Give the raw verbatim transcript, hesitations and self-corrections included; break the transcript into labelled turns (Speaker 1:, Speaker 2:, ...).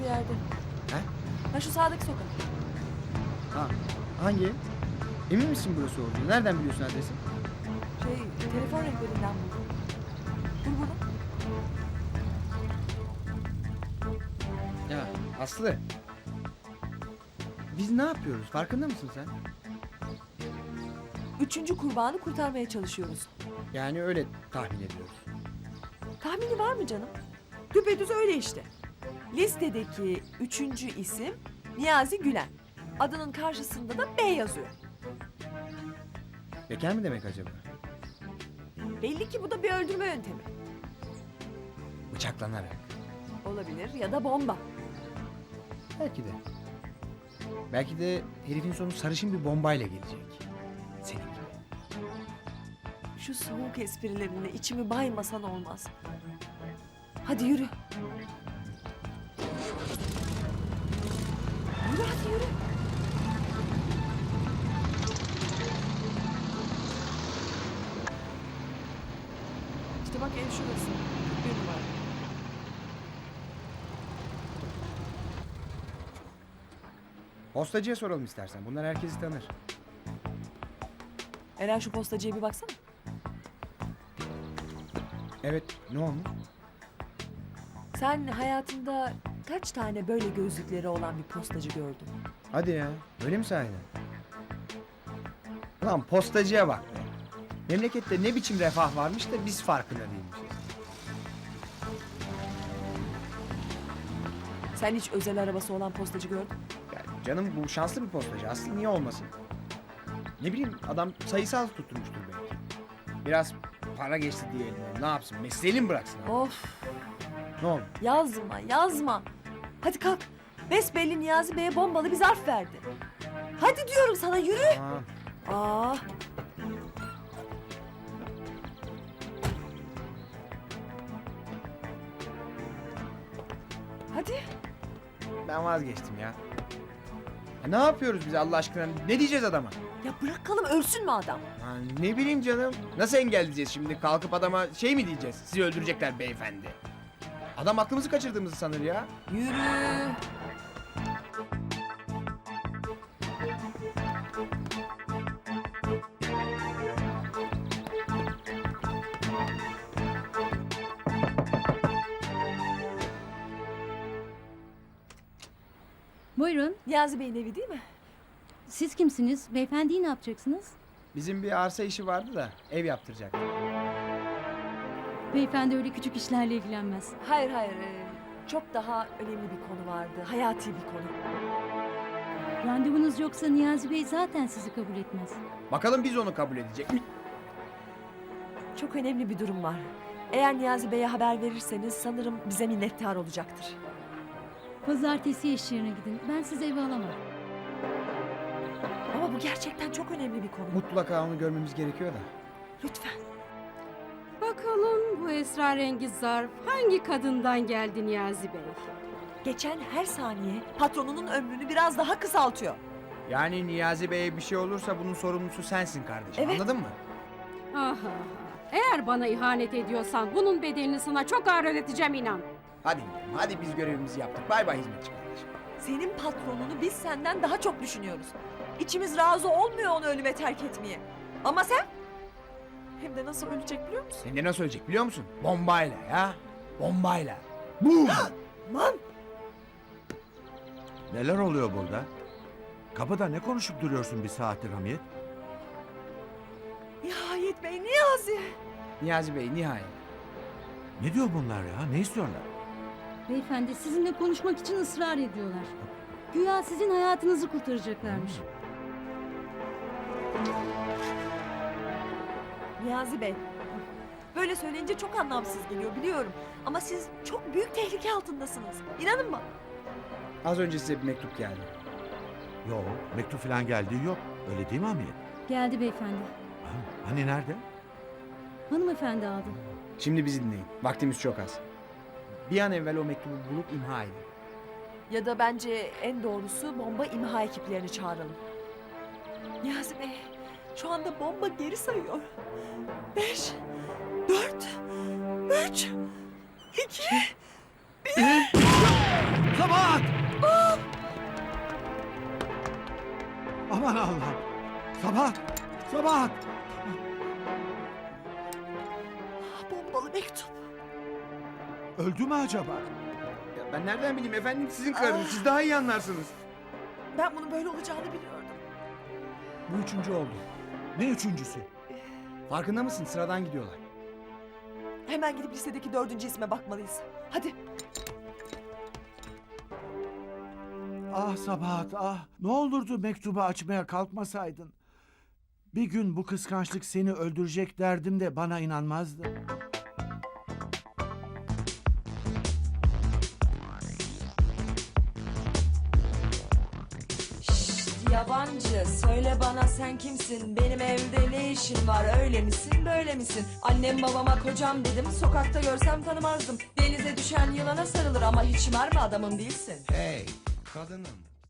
Speaker 1: ileride.
Speaker 2: He?
Speaker 1: Ha şu sağdaki sokak.
Speaker 2: Ha, hangi ev? Emin misin burası olduğunu? Nereden biliyorsun adresi?
Speaker 1: Şey, telefon rehberinden buldum. Dur burada.
Speaker 2: Ya Aslı. Biz ne yapıyoruz? Farkında mısın sen?
Speaker 1: Üçüncü kurbanı kurtarmaya çalışıyoruz.
Speaker 2: Yani öyle tahmin ediyoruz.
Speaker 1: Tahmini var mı canım? Düpedüz öyle işte. Listedeki üçüncü isim Niyazi Gülen. Adının karşısında da B yazıyor.
Speaker 2: Bekar mı demek acaba?
Speaker 1: Belli ki bu da bir öldürme yöntemi.
Speaker 2: Bıçaklanarak.
Speaker 1: Olabilir ya da bomba.
Speaker 2: Belki de. Belki de herifin sonu sarışın bir bombayla gelecek. Senin gibi.
Speaker 1: Şu soğuk esprilerinde içimi baymasan olmaz. Hadi yürü. Yürü hadi yürü. İşte bak ev şurası. kırk bir numara.
Speaker 2: Postacıya soralım istersen. Bunlar herkesi tanır.
Speaker 1: Eren şu postacıya bir baksana.
Speaker 2: Evet, ne olmuş?
Speaker 1: Sen hayatında kaç tane böyle gözlükleri olan bir postacı gördün?
Speaker 2: Hadi ya, öyle mi sahiden? Lan postacıya bak be. Memlekette ne biçim refah varmış da biz farkında değilmişiz.
Speaker 1: Sen hiç özel arabası olan postacı gördün mü?
Speaker 2: Yani canım bu şanslı bir postacı. Aslında niye olmasın? Ne bileyim adam sayısal tutturmuştur belki. Biraz para geçti diyelim. Ne yapsın? Mesleğini mi bıraksın? Abi?
Speaker 1: Of,
Speaker 2: Ne oldu?
Speaker 1: yazma yazma. Hadi kalk. Besbelli Niyazi Bey'e bombalı bir zarf verdi. Hadi diyorum sana yürü.
Speaker 2: Aa,
Speaker 1: Aa. Hadi.
Speaker 2: ben vazgeçtim ya. Ya ne yapıyoruz biz Allah aşkına? Ne diyeceğiz adama?
Speaker 1: Ya bırakalım ölsün mü adam?
Speaker 2: Ha, ne bileyim canım. Nasıl engelleyeceğiz şimdi? Kalkıp adama şey mi diyeceğiz? Sizi öldürecekler beyefendi. Adam aklımızı kaçırdığımızı sanır ya.
Speaker 1: Yürü.
Speaker 3: Buyurun.
Speaker 1: Niyazi Bey'in evi değil mi?
Speaker 3: Siz kimsiniz? Beyefendiyi ne yapacaksınız?
Speaker 2: Bizim bir arsa işi vardı da ev yaptıracak.
Speaker 3: Beyefendi öyle küçük işlerle ilgilenmez.
Speaker 1: Hayır hayır. e, Çok daha önemli bir konu vardı. Hayati bir konu.
Speaker 3: Randevunuz yoksa Niyazi Bey zaten sizi kabul etmez.
Speaker 2: Bakalım biz onu kabul edecek mi?
Speaker 1: Çok önemli bir durum var. Eğer Niyazi Bey'e haber verirseniz sanırım bize minnettar olacaktır.
Speaker 3: Pazartesi iş yerine gidin. Ben sizi eve alamam.
Speaker 1: Ama bu gerçekten çok önemli bir konu.
Speaker 2: Mutlaka onu görmemiz gerekiyor da.
Speaker 1: Lütfen.
Speaker 4: Bakalım bu esrarengiz zarf hangi kadından geldi Niyazi Bey?
Speaker 1: Geçen her saniye patronunun ömrünü biraz daha kısaltıyor.
Speaker 2: Yani Niyazi Bey'e bir şey olursa bunun sorumlusu sensin kardeşim.
Speaker 1: Evet.
Speaker 2: Anladın mı?
Speaker 4: Aha, eğer bana ihanet ediyorsan bunun bedelini sana çok ağır ödeteceğim inan.
Speaker 2: Hadi gidelim. Hadi biz görevimizi yaptık. Bay bay hizmetçi kardeşim.
Speaker 1: Senin patronunu biz senden daha çok düşünüyoruz. İçimiz razı olmuyor onu ölüme terk etmeye. Ama sen? Hem de nasıl ölecek biliyor musun?
Speaker 2: Sen de nasıl ölecek biliyor musun? Bombayla ya. Bombayla. Bum!
Speaker 1: Aman!
Speaker 5: Neler oluyor burada? Kapıda ne konuşup duruyorsun bir saattir Hamiyet?
Speaker 1: Nihayet Bey, Niyazi!
Speaker 2: Niyazi Bey nihayet.
Speaker 5: Ne diyor bunlar ya? Ne istiyorlar?
Speaker 3: Beyefendi sizinle konuşmak için ısrar ediyorlar. Güya sizin hayatınızı kurtaracaklarmış.
Speaker 1: Niyazi Bey, böyle söyleyince çok anlamsız geliyor biliyorum. Ama siz çok büyük tehlike altındasınız. İnanın bana.
Speaker 2: Az önce size bir mektup geldi.
Speaker 5: Yok, mektup falan geldiği yok. Öyle değil mi Hamiyet?
Speaker 3: Geldi beyefendi.
Speaker 5: Ha, hani nerede?
Speaker 3: Hanımefendi aldı.
Speaker 2: Şimdi bizi dinleyin. Vaktimiz çok az. Bir an evvel o mektubu bulup imha edin.
Speaker 1: Ya da bence en doğrusu bomba imha ekiplerini çağıralım. Niyazi Bey, şu anda bomba geri sayıyor. Beş, dört, üç, iki, bir...
Speaker 5: Sabahat! Aman Allah'ım! Sabahat! Sabahat!
Speaker 1: Bombalı mektup.
Speaker 5: Öldü mü acaba?
Speaker 2: Ya ben nereden bileyim efendim, sizin karınız. Siz daha iyi anlarsınız.
Speaker 1: Ben bunun böyle olacağını biliyordum.
Speaker 2: Bu üçüncü oldu.
Speaker 5: Ne üçüncüsü?
Speaker 2: Farkında mısın? Sıradan gidiyorlar.
Speaker 1: Hemen gidip listedeki dördüncü isme bakmalıyız. Hadi.
Speaker 5: Ah Sabahat ah! Ne olurdu mektubu açmaya kalkmasaydın. Bir gün bu kıskançlık seni öldürecek derdim de bana inanmazdın.
Speaker 1: Şşt, yabancı söyle bana sen kimsin? Benim evde ne işin var? Öyle misin böyle misin? Annem babama kocam dedim. Sokakta görsem tanımazdım. Denize düşen yılana sarılır ama hiç mermi adamım değilsin.
Speaker 2: Hey kadınım.